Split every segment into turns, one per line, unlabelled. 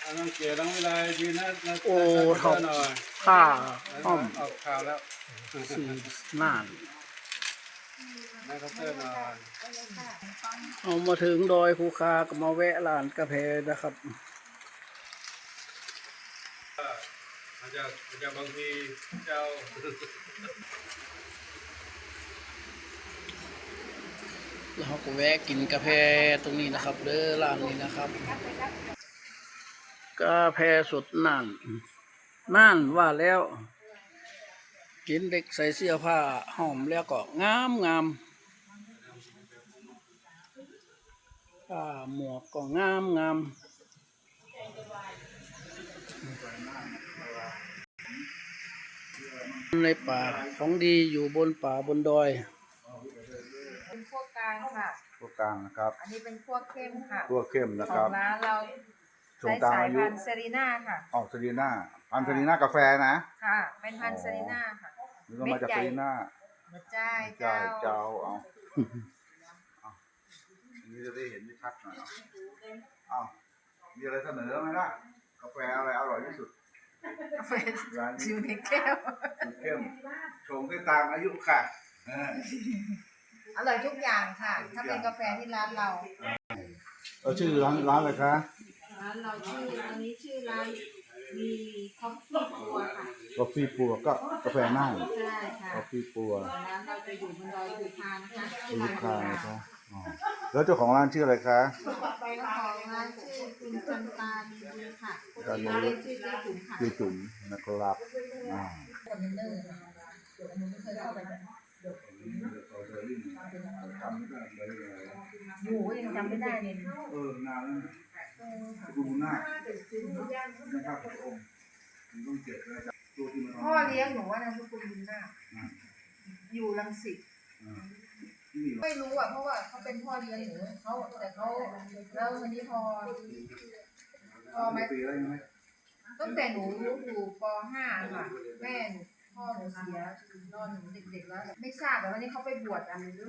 น้องเก๋น้องวิไลยืนนะ
โอ้ท็อป
หน่อย
ผ้าห้อม
ออกข่าวแล้ว
สีน่าน
นั่งเคาน์เตอร์หน่อย
เอามาถึงดอยภูคาก็มาแวะร้านกาแฟนะครับ
อาจจะบางทีเจ้า
แล้วเราก็แวะกินกาแฟตรงนี้นะครับเด้อร้านนี้นะครับ กาแฟสดน่านว่าแล้วกินเด็กใส่เสื้อผ้าหอมแล้วก็งามผ้าหมวกก็งามในป่าของดีอยู่บนป่าบนดอย
เป็นพวกกลางค่ะ
พวกกลางนะครับ
อันนี้เป็นพวกเข้มค่ะ
พวกเข้มนะ
ข
ค
อ
รับ
งร้านเรา
ช่ว
ใช้
งกลาง
สาย
อายุ
พันธุ์เซรีน่าค่ะ
ออกเซรีน่าพันธุ์เซรีน่ากาแฟนะ
ค่ะ เป็นพันธุ์เซรีน่าค่ะ
นี่ก็มาจากเซรีน่า
หัวใจาย
เจ้า
เจ้า
เจ้าเอาอันนี้จะได้เห็นชัดหน่อยเอามีอะไรเสนอไหมล่ะกาแฟอะไรอร่อยที่สุด
กาแฟ
ร้านนี้
อยู่ในแก้ว
สูตรเข้มชงได้ตามอายุค่ะ
อร่อยทุกอย่างค่ะ ถ้าเป็นกาแฟที่ร้านเรา
ชื่อร้านอะไรคะ
ร้านเราชื่ออันนี้ชื่อร้านมีคอฟฟี่ปัวค่ะ
กาแฟปัวก็กาแฟน่าน
ใช่ค่ะ
กาแฟปัว
ร้านเราจะอยู่บนดอยภูพานนะคะที่
ลู
ร้าก น
ค้า
เรา
นะครับอ๋อแล้วเจ้าของร้านชื่ออะไรคะ
เจ้าของร้านชื่อคุณจันตาดีบุญค่ะผู้ที่ร้านเรียกชื่อเจ๊จุ๋มค่ะ
คือจุ๋มนะครับอ่า
คอนเทนเนอร์ค่ะเดี๋ยวอันนี้ไม่เคยเข้าไปนะอยู่ยังจำไม่ได้เลย
นานแล้วดูหน้านะครับพระองค์ต้องเจ็บเลยตัวที่มัน
พ่อเลี้ยงหนูว่านามสกุลบุญนาคอยู่รังสิตไม่รู้อ่ะเพราะว่าเขาเป็นพ่อเลี้ยงหนูเขาแต่เขาแล้ววันนี้พอมา
ปีอะไรไหม
ตั้งแต่หนูอยู่ป .5 ค่ะแม่หนูพ่อหนูเสียตอนหนูเด็กๆแล้วไม่ทราบแต่วันนี้เขาไปบวชอะไรด้วย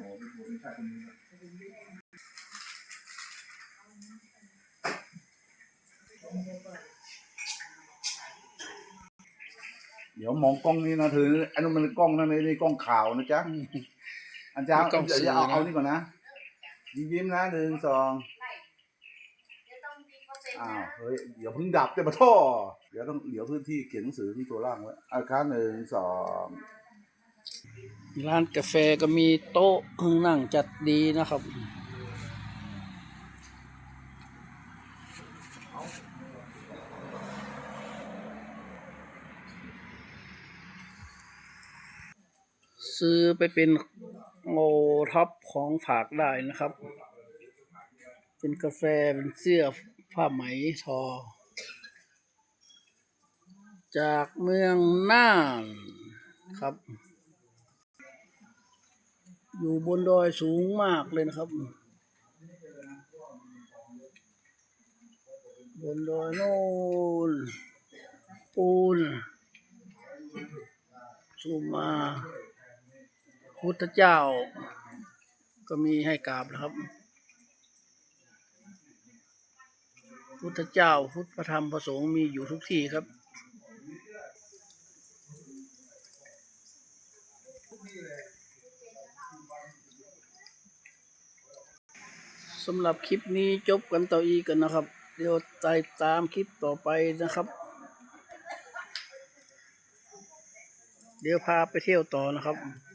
เดี๋ยวมองกล้องนี้นะเธออันนั้นมันกล้องนั่นนี่กล้องข่าวนะจ๊ะอาจารย์เดี๋ยวเอานี่ก่อนนะยิ้มนะ1 2อ้าวเฮ้ยเดี๋ยวเพิ่งดับแต่มาท่อเดี๋ยวต้องเหลียวพื้นที่เขียนหนังสือที่ตัวล่างไว้อาคาร1 2
ร้านกาแฟก็มีโต๊ะนั่งจัดดีนะครับซื้อไปเป็นโอท็อปของฝากได้นะครับเป็นกาแฟเป็นเสื้อผ้าไหมทอจากเมืองน่านครับอยู่บนดอยสูงมากเลยนะครับบนดอยโน่นปูนสูงมาพุทธเจ้าก็มีให้กราบนะครับพุทธเจ้าพุทธธรรมพระสงฆ์มีอยู่ทุกที่ครับสำหรับคลิปนี้จบกันต่ออีกกันนะครับเดี๋ยวติดตามคลิปต่อไปนะครับเดี๋ยวพาไปเที่ยวต่อนะครับ